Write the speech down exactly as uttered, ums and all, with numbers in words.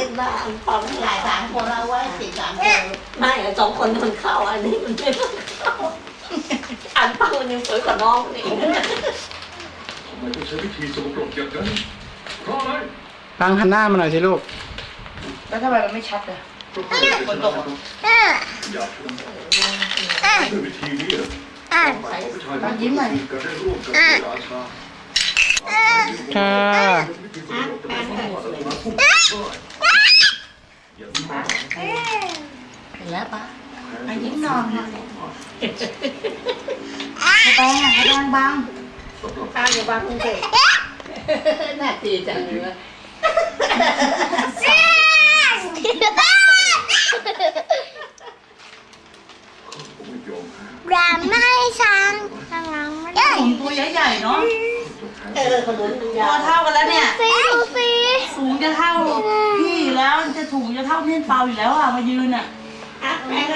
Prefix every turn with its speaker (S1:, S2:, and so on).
S1: บ้าอันฟัง
S2: หลายสามคนเอาไว้สิสามคน
S1: ไม่สองคนมันเข้าอันนี้มันไม่เข้าอันฟังมันยังสวยกว่าน้องนี่
S3: ทำไมต้องใช้วิธีสกปรกอย่างนั้นเพราะอะไร
S4: ฟังหันหน้ามาหน่อยสิลูก
S2: แล้วทำไมมันไม่ชัดอ่ะ
S3: เพราะเขาเป็นคนตกอย่าชมด้วยวิธีนี้เหรอผู้ชายบางคนก็ได้ร่วมกับราชา
S4: ค่ะ
S2: เห็นแล้วปะไอ้ยิ้มนอนค่ะกระแตงอ่ะกระแตงบาง
S1: ข้าวอยู่บ้านคุณเด็กน่าตีจังเลย
S5: อย่าไม่ช้างกำลังไม่ได้
S2: ถุงตัวใหญ่ๆเนาะ
S1: เออขนุนมัน
S2: ตั
S1: ยาว ว
S2: เท่ากันแล้วเนี่ย
S5: สีดูสิ
S2: สูงจะเท่าพี่อยู่แล้วจะถุงจะเท่าเม่นเปาอยู่แล้วอ่ะมายืนอ่ะ
S1: อ่ะแม่